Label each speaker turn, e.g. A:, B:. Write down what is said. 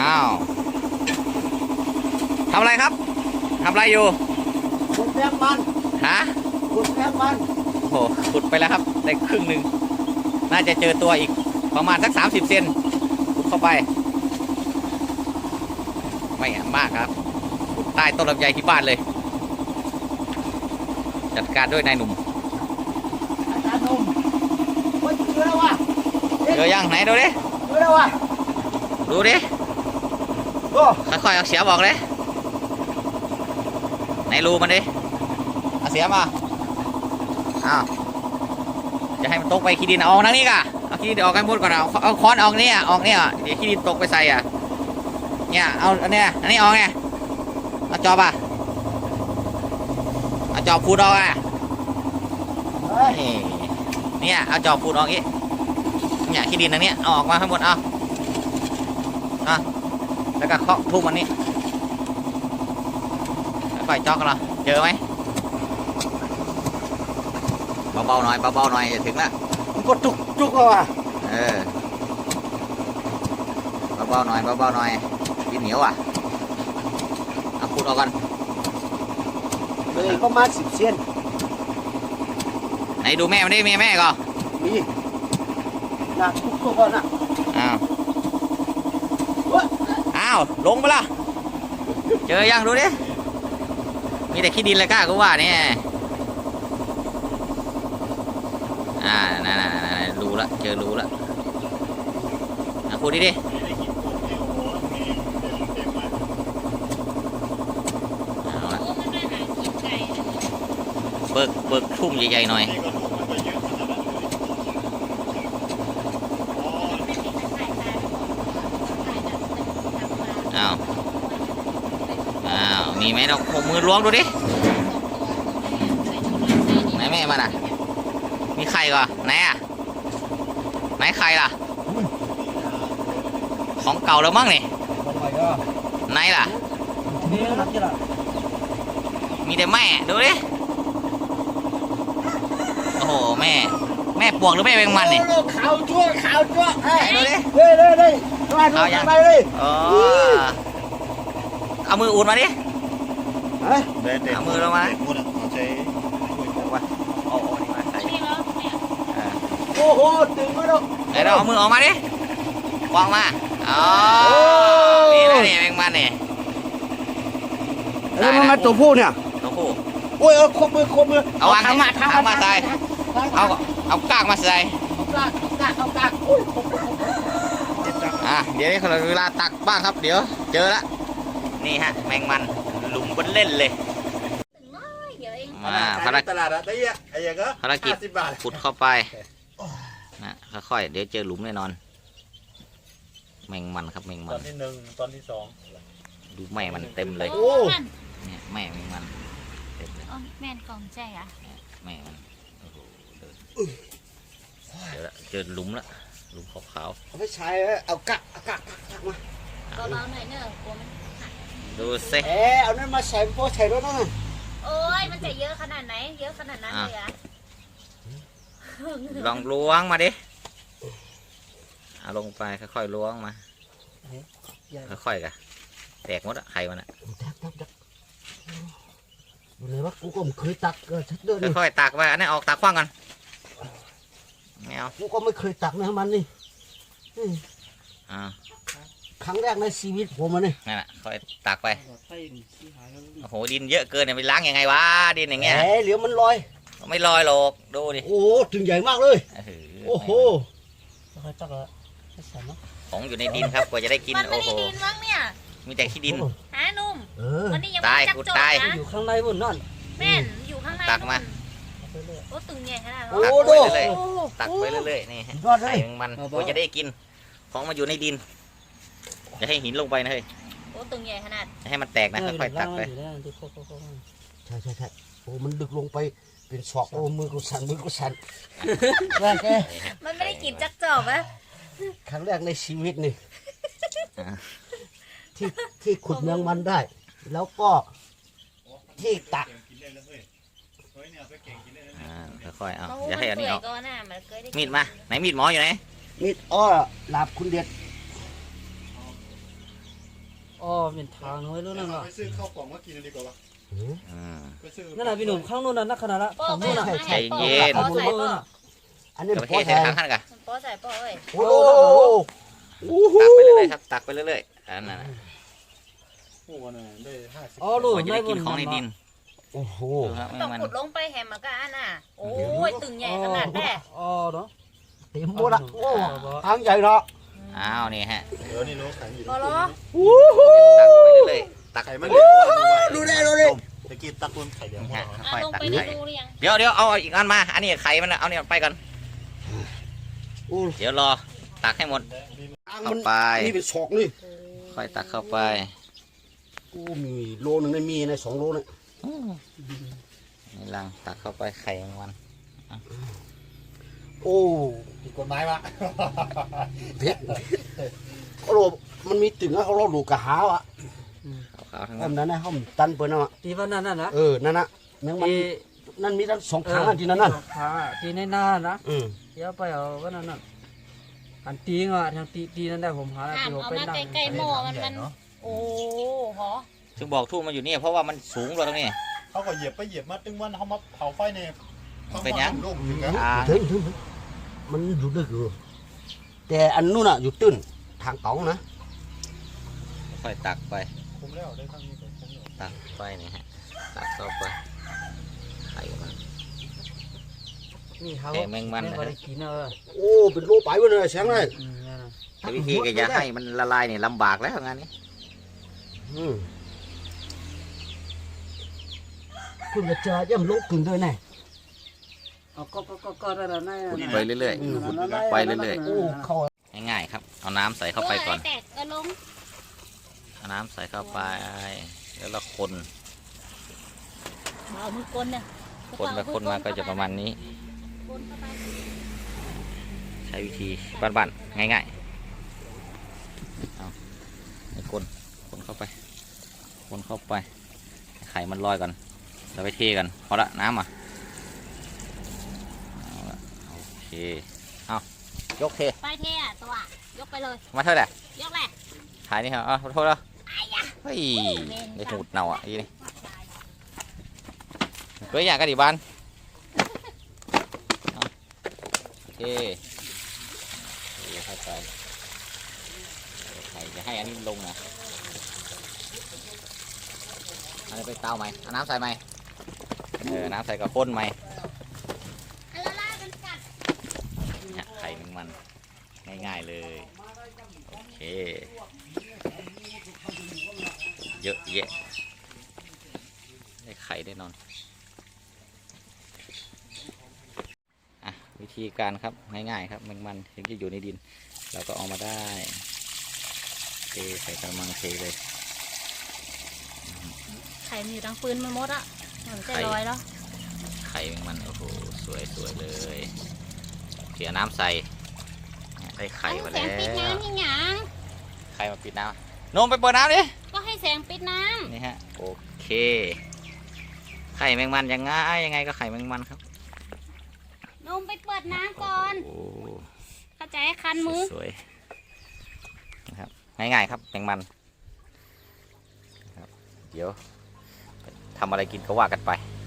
A: าวทำอะไรครับทำอะไรอยู่
B: ขุดแมงมัน
A: ฮะ
B: ขุดแมงมัน
A: โอ้ขุดไปแล้วครับได้ครึ่งหนึ่งน่าจะเจอตัวอีกประมาณสัก30 เซนขุดเข้าไปไม่มากครับขุดใต้ต้นลำไยที่บ้านเลยจัดการด้วยนายหนุ่ม
B: อาจารย์หนุ่มว่าเจอแล้ววะ
A: เจอยังไหนดูดิ
B: เจอแล้ววะ
A: ดูดิ
B: โอ้
A: ค่อยๆเอาเสียบอกเลยไหนรูมันดิเอาเสียมาอ้าวจะให้มันตกไปขี้ดินออกนั่งนี่กะเอาขี้ดินออกกันหมดก่อนเอาค้อนออกเนี่ยออกเนี่ยเดี๋ยวขี้ดินตกไปใส่อ่ะเนี่ยเอาอันเนี้ยอันนี้ออกไงเอาจอบอ่ะเอาจอบพูดออกอ่ะเนี่ยเอาจอบพูดออกอีกเนี่ยขี้ดินอันนี้เอาออกมาทั้งหมดเอาแล้วก็เคาะทุ่มอันนี้ค่อยๆจอกกันเหรอเจอไหมเบาๆหน่อยเบาๆหน่อยจะถึงละ
B: มันก็จุกแล้ววะ
A: เบาๆหน่อยเบาๆหน่อยดินเหนียวอ่ะเอาพูดออกกัน
B: เลยประมาณ10 เซน
A: ไหนดูแม่มันได้แม่ก่อน
B: มีหนักทุกตัวก่อนนะ
A: อ้าวลงไปละเจอยังดูดิมีแต่ขี้ดินเลยก้ากูว่าเนี่ยนั่นรู้ละเจอรู้ละพูดดิเอาละเบิกทุ่มใหญ่ๆหน่อยอ้าวมีไหมเราหกมือล้วงดูดิไหนแม่มันอ่ะมีไข่ก่อนไหนอ่ะไหนไข่ล่ะของเก่าแล้วมั้งนี่ไหนล่ะมีแต่แม่ดูดิโอ้โหแม่ปวกหรือแม่แมงมันนี่
B: ขาวจั่ว
A: ดูดิ
B: เลย
A: เอาอย่าง
B: ไปเลย
A: เอามืออุ่นมาดิ
B: เอา
A: มือลงมา
B: โอ้โหตึงมาแล้ว
A: เดี๋ยวเอามือออกมาดิวางมาอ๋อนี่นะนี่แมงมันนี่
B: แล้วมันตัวผู้เนี่ย
A: ตัวผู้
B: โอ้ยครบมือ
A: เอาวางทำมาใส่เอากากมาใส่
B: เอากากโอ้ย
A: เดี๋ยวนี้เราเวลาตักบ้างครับเดี๋ยวเจอละนี่ฮะแมงมันหลุมบนเล่นเลยมาภารกิจขุดเข้าไปนะค่อยๆเดี๋ยวเจอหลุมแน่นอนแมงมันครับแมงมัน
B: ตอนที่1ตอนที่2
A: ดูแม่มันเต็มเลยเนี่ยแม่แมงมันเต็มเลย
C: แม่นกองใจอ่ะ
A: แม่มันโอ้โหเดี๋ยวละเจอหลุมละหลุมขาว
B: ๆเอาไปใช้เอากากมา
C: เบาๆหน่อยเนอะกลัวมัน
A: ดูสิ
B: เอานั่นมาใส่พวกใส่ด้วยนะ
C: โอ้ยมันจะเยอะขนาดไหนเยอะขนาดนั้นเลยอ่ะ
A: ลองล้วงมาดิเอาลงไปค่อยๆล้วงมาค่อยๆกะแตกหมดอะไข่มันอะ
B: เลยวะกูก็ไม่เคยตักชัดเจน
A: ค่อยๆตักไปอันนี้ออกตักขว้างกันไม่เอา
B: กูก็ไม่เคยตักนะมันนี่ครั้งแรกในชีวิตผมมันนี่
A: นั่นแหละค่อยตักไปโอ้โหดินเยอะเกินเนี่ยไปล้างยังไงวะดินอย่างเงี้ย
B: เหลียวมันลอย
A: ไม่ลอยหรอกดูดิ
B: โอ้ถึงใหญ่มากเลยโอ้โห
A: ของอยู่ในดินครับกว่าจะได้กินโอ้โหมีแต่ขี้ดิน
C: หานุ่มวันนี้ยัง
A: ตาย
C: กู
A: ตาย
B: อยู่ข้างในบนนั่น
C: แม่นอยู่ข้างใน
A: ตักมา
C: โอ้ตึงใหญ่ขนาด
A: ตักไปเรื่อยๆนี่ไข่มันกว่าจะได้กินของมาอยู่ในดินอย่าให้หินลงไปนะเฮ้ย
C: โอ้ตึงใหญ่ขนาด
A: ให้มันแตกนะค่อยๆตักไป
B: ใช่โอ้มันดึกลงไปเป็นศอกโอ้มือกูสั่น
C: มันไม่ได้กินจักจอบอะ
B: ครั้งแรกในชีวิตนี่ที่ขุดแมงมันได้แล้วก็ที่ตัก
A: ค่อยๆเอาอย่าให้อันนี้ออกมีดมาไหนมีดหมออยู่ไหน
B: มีดอ้อหลาบคุณเด็ด
D: อ๋อเป็นทางน้อยรู้นั่นวะ
E: ไปซื้อข้าวกล่องมากินดีกว่าวะ
A: อืม
E: ไปซื้อ
D: นั่นน่ะพี่หนุ่มข้างนู้นน่ะนักขนาดละ
C: โป้
D: ของ
C: ไม่
D: นู้นน่ะ
C: ไม่
A: ใจ
C: ให้โป้
A: เย็น
C: ขอใส่โป้
B: อันนี้
A: กับ
B: พอ
A: เทใส่
B: ใส่
A: ข้างๆกัน
C: โป้ใส่โป้เอ้ย
B: โอ้โห
A: ตักไปเรื่อยๆครับตักไปเรื่อยๆอันนั้นน่ะ
E: โอ้โหน่ะได้50
D: อ๋อลูก
A: เราจะได้กินของในดิน
B: โอ้โห
A: ดูครับ
C: ต้อง
A: มัน
C: ขุดลงไปแหมมันก็อันน่ะโอ้ยตึงใหญ่ขนาดแน่
D: อ๋อเนาะ
B: เต็มหมดละโอ้ทางใหญ่เนาะ
A: อ้าวนี่ฮะ
E: เดี๋ยวนี่โลขายอยู่
C: พอเหรอ
A: ตักไปเรื่อยๆตัก
E: ไข่มัน
B: ดูได้ดูได้
E: ตะกี้ตักบนไข่เดียว
A: นี่
E: พอ
A: ฮะ
C: อ่ะ
A: ค่อย
C: ลง
A: ตัก
C: ไป
A: ไข่
C: ดูหรือยัง
A: เดี๋ยวเอาอีกอันมาอันนี้ไข่มันนะเอาเนี่ยไปก่อน
B: โอ้
A: เดี๋ยวรอตักให้หมด
B: ทาง
A: เข้า
B: มัน
A: ไป
B: นี่เป็นศอกนี่
A: ค่อยตักเข้าไป
B: โอ้มีโลนึงได้มีใน2 โลเนี่ย
A: นี่ลังตักเข้าไปไข่แมงวัน
B: โอ้
E: ผิดกฎหมายวะ
B: เผ็ดเขาโลมันมีตึงอะเขาโลดูกะหาวอะ
A: ขาวๆทั้ง
B: แบ
A: นั้น
B: บนั้นนะเขาตันเปิ้นเอาอะ
D: ที่ว่านั่นน่ะนะ
B: นั่นน่ะแมงมัน
D: ที่
B: นั่นมีทั้ง2 ทางอะที่นั่นน่ะ
D: ขาที่ในหน้านะ
B: อืม
D: เดี๋ยวไปเอาก็นั่นน่ะอันตีงอ่ะทางตีนั่นได้ผมหา
C: อ่าน
D: ที่ผม
C: เอา
D: ไป
C: มา
D: นั่ง
C: ใกล้ๆหม้อมันโอ้โห
A: ซึ่งบอกทู่มันอยู่นี่เพราะว่ามันสูงกว่าตรงนี้
E: เขาก็เหยียบไปเหยียบมาตึงวันเขามาเผาไฟเนี่ย
A: เป็นยัง
E: ลูกถึงกัน
B: ถึงมันอยู่ดึกอยู่แต่อันนู้นอะอยู่ตื้นทางเก๋านะ
A: ค่อยตักไป
E: คุมแล้วได้ทั้งนี้ก่อนคุมแล้ว
A: ตักไปนี่ฮะตักเข้าไปไข่มัน
D: นี่เขา
A: แกงแมงมัน
D: ไม่
A: นะ
D: ได้กินเออ
B: โอ้เป็นโลไปเว้ยเลยแสงเลย
D: นั่นน่ะ
A: แต่วิธีก็จะให้มันละลายเนี่ยลำบากแล้วงานนี้
B: อืมคุณจะเจอเยี่ยมโลกกึ่งด้วยแน่
D: เอาก็ได้แล้วนั่น
A: ไปเรื่อย ไปเรื่อย
B: โอ้เข้า
A: ๆง่ายๆครับเอาน้ำใส่เข้าไปก่อน
C: แตกก็ลง
A: เอาน้ำใส่เข้าไปแล้วเราคน
C: เอามือกลเนี่ย
A: คนไปคนมาก็จะประมาณนี้
C: คนเข้าไป
A: ใช้วิธีบ้านๆง่ายๆเอาให้คนเข้าไปคนเข้าไปไข่มันลอยก่อนเราไปเทกันพอละน้ำอ่ะเอาละโอเคเอายกเท
C: ไปเทอ่ะตัวยกไปเลย
A: มาเท่าไหร่
C: ยกแหละ
A: ถ่ายนี่ครับขอโทษแล้วเฮ้ยได้หูดเน่าอ่ะอีนี่เฮ้ยอยากกระดิบานเอาโอเคเข้าไปไข่จะให้อันนี้ลงนะอันนี้ไปเตาไหมเอาน้ำใส่ไหมน้ำใส่กับข้นไหม
C: อันละล่ามันกัด
A: เนี่ยไข่แมงมันง่ายๆเลยโอเคเยอะแยะได้ไข่ได้นอนอ่ะวิธีการครับง่ายๆครับแมงมันถึงจะอยู่ในดินเราก็เอามาได้เทใส่กระมังเทเลย
C: ไข่มันอยู่ทั้งปืนมันมดอ่ะมันจะลอยแล้ว
A: ไข่แมงมันโอ้โหสวยๆเลยเสียน้ำใส่ได้ไข่มา
C: แส
A: แล้
C: งปิด
A: ว
C: น้ำที่หยัง
A: ไข่มาปิดน้ำนมไปเปิดน้ำดิ
C: ก็ให้แสงปิดน้
A: นี่ฮะโอเคไข่แมงมันยังไงก็ไข่แมงมันครับ
C: ำนมไปเปิดน้ำก่อน
A: โอ้
C: เข้าใจคันมือ
A: สวยๆนะครับง่ายๆครับแมงมันนะครับเดี๋ยวทำอะไรกินก็ว่ากันไป